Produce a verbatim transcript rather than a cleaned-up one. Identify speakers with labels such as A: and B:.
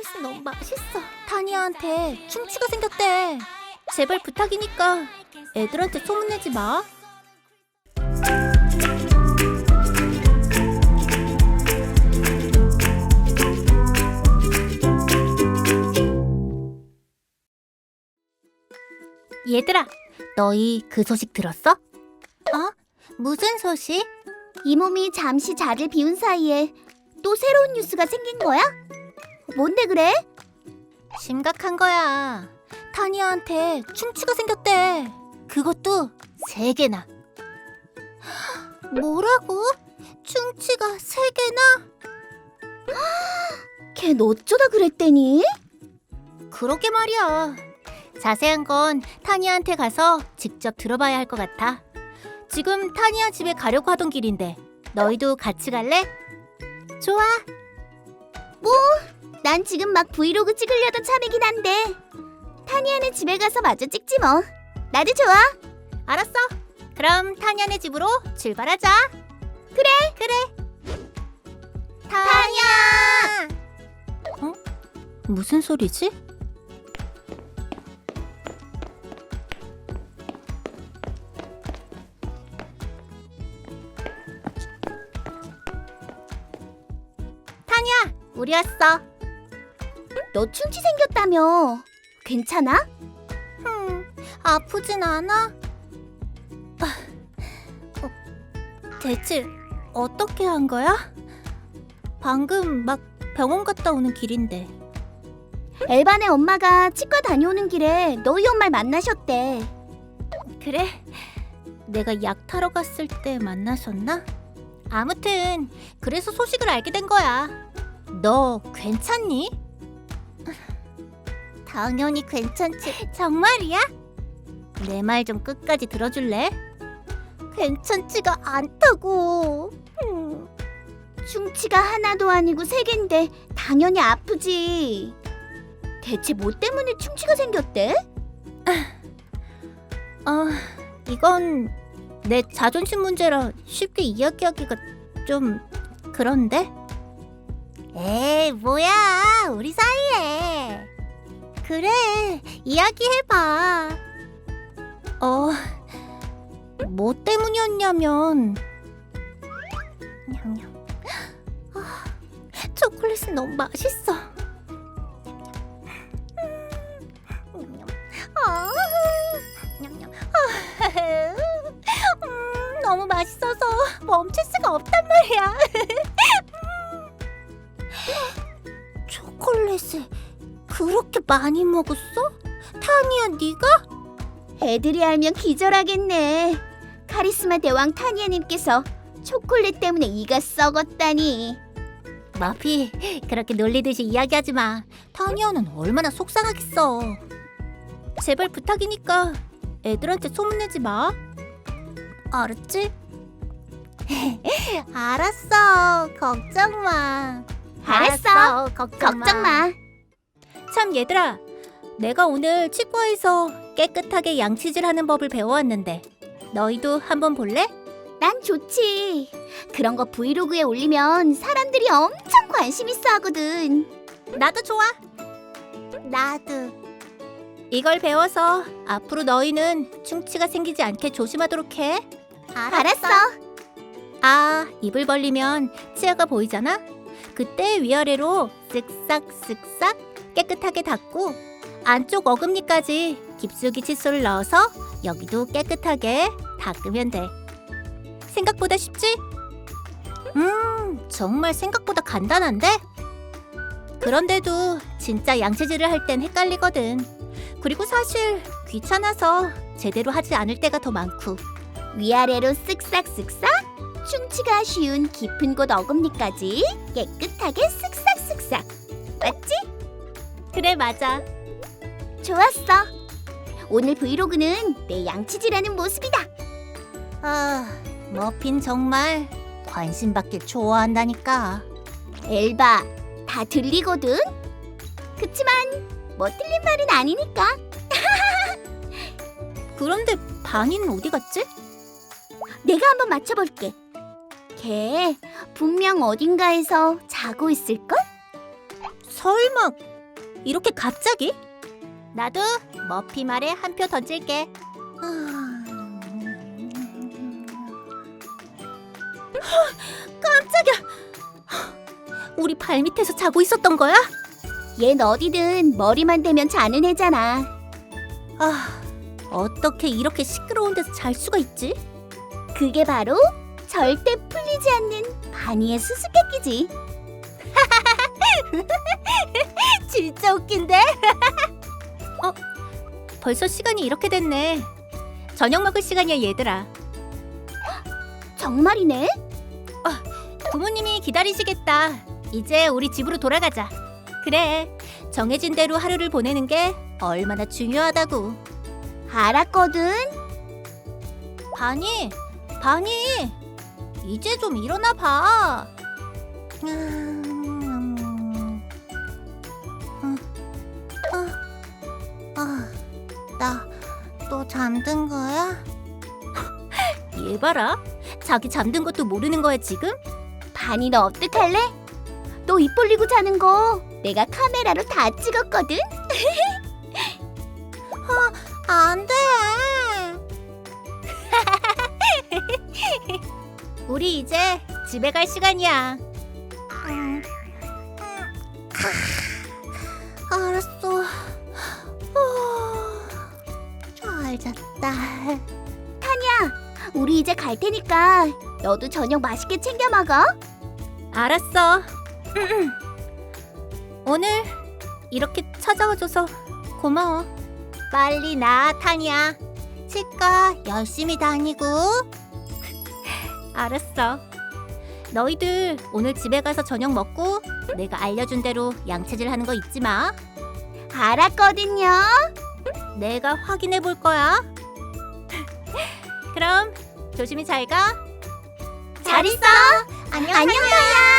A: 초콜릿은 너무 맛있어. 타니아한테 충치가 생겼대. 제발 부탁이니까 애들한테 소문내지 마. 얘들아, 너희 그 소식 들었어? 어? 무슨 소식?
B: 이 몸이 잠시 자리를 비운 사이에 또 새로운 뉴스가 생긴 거야? 뭔데 그래?
A: 심각한 거야. 타니아한테 충치가 생겼대. 그것도 세 개나. 뭐라고? 충치가 세 개나?
B: 걘 어쩌다 그랬대니?
A: 그러게 말이야. 자세한 건 타니아한테 가서 직접 들어봐야 할 것 같아. 지금 타니아 집에 가려고 하던 길인데 너희도 같이 갈래? 좋아.
B: 난 지금 막 브이로그 찍으려던 참이긴 한데 타니아네 집에 가서 마저 찍지 뭐. 나도 좋아.
A: 알았어. 그럼 타니아네 집으로 출발하자.
B: 그래.
A: 그래. 타니아! 어? 무슨 소리지? 타니아, 우리 왔어.
B: 너 충치 생겼다며. 괜찮아?
A: 흠, 아프진 않아? 아, 어, 대체 어떻게 한 거야? 방금 막 병원 갔다 오는 길인데.
B: 엘반의 엄마가 치과 다녀오는 길에 너희 엄마를 만나셨대.
A: 그래? 내가 약 타러 갔을 때 만나셨나? 아무튼 그래서 소식을 알게 된 거야. 너 괜찮니? 당연히 괜찮지. 정말이야? 내 말 좀 끝까지 들어줄래? 괜찮지가 않다고. 음.
B: 충치가 하나도 아니고 세 개인데 당연히 아프지. 대체 뭐 때문에 충치가 생겼대?
A: 어, 이건 내 자존심 문제라 쉽게 이야기하기가 좀 그런데? 에이, 뭐야, 우리 사이에. 그래, 이야기해봐. 어, 뭐 때문이었냐면 냠냠. 아, 초콜릿은 너무 맛있어. 냠냠. 아, 냠냠. 아, 음, 너무 맛있어서 멈출 수가 없단 말이야. 초콜릿을 그렇게 많이 먹었어? 타니아, 네가?
B: 애들이 알면 기절하겠네. 카리스마 대왕 타니아님께서 초콜릿 때문에 이가 썩었다니.
A: 마피, 그렇게 놀리듯이 이야기하지 마. 타니아는 얼마나 속상하겠어. 제발 부탁이니까 애들한테 소문내지 마. 알았지? 알았어. 걱정 마.
B: 알았어.
A: 걱정 마.
B: 걱정 마.
A: 참, 얘들아, 내가 오늘 치과에서 깨끗하게 양치질하는 법을 배워왔는데 너희도 한번 볼래?
B: 난 좋지. 그런 거 브이로그에 올리면 사람들이 엄청 관심 있어 하거든.
A: 나도 좋아. 나도. 이걸 배워서 앞으로 너희는 충치가 생기지 않게 조심하도록 해.
B: 알았어.
A: 아, 입을 벌리면 치아가 보이잖아? 그때 위아래로 쓱싹 쓱싹 깨끗하게 닦고 안쪽 어금니까지 깊숙이 칫솔을 넣어서 여기도 깨끗하게 닦으면 돼. 생각보다 쉽지? 음, 정말 생각보다 간단한데? 그런데도 진짜 양치질을 할 땐 헷갈리거든. 그리고 사실 귀찮아서 제대로 하지 않을 때가 더 많고.
B: 위아래로 쓱싹 쓱싹. 충치가 쉬운 깊은 곳 어금니까지 깨끗하게 쓱싹 쓱싹. 맞지?
A: 그래, 맞아.
B: 좋았어. 오늘 브이로그는 내 양치질하는 모습이다.
A: 아, 머핀 정말 관심 받길 좋아한다니까.
B: 엘바, 다 들리거든? 그치만 뭐 틀린 말은 아니니까.
A: 그런데 바니는 어디 갔지?
B: 내가 한번 맞춰볼게. 걔 분명 어딘가에서 자고 있을걸?
A: 설마 이렇게 갑자기? 나도 머피 말에 한 표 던질게. 깜짝이야. 우리 발 밑에서 자고 있었던 거야?
B: 얜 어디든 머리만 대면 자는 애잖아.
A: 아, 어떻게 이렇게 시끄러운 데서 잘 수가 있지?
B: 그게 바로 절대 풀리지 않는 바니의 수수께끼지.
A: 진짜 웃긴데? 어? 벌써 시간이 이렇게 됐네. 저녁 먹을 시간이야, 얘들아.
B: 정말이네?
A: 부모님이 기다리시겠다. 이제 우리 집으로 돌아가자. 그래, 정해진 대로 하루를 보내는 게 얼마나 중요하다고.
B: 알았거든.
A: 바니, 바니, 이제 좀 일어나 봐. 음, 어, 어, 어, 나 또 잠든 거야? 얘 봐라, 자기 잠든 것도 모르는 거야 지금?
B: 바니 너 어떡할래? 너 입 벌리고 자는 거 내가 카메라로 다 찍었거든.
A: 안 돼. 우리 이제 집에 갈 시간이야. 음, 알았어. 잘 잤다.
B: 우리 이제 갈 테니까 너도 저녁 맛있게 챙겨 먹어.
A: 알았어. 오늘 이렇게 찾아와줘서 고마워. 빨리 나, 타니야. 치과 열심히 다니고. 알았어. 너희들 오늘 집에 가서 저녁 먹고 내가 알려준 대로 양체질 하는 거 잊지 마.
B: 알았거든요.
A: 내가 확인해 볼 거야. 그럼 조심히 잘 가.
B: 잘 있어.
A: 안녕.
B: 안녕, 타야.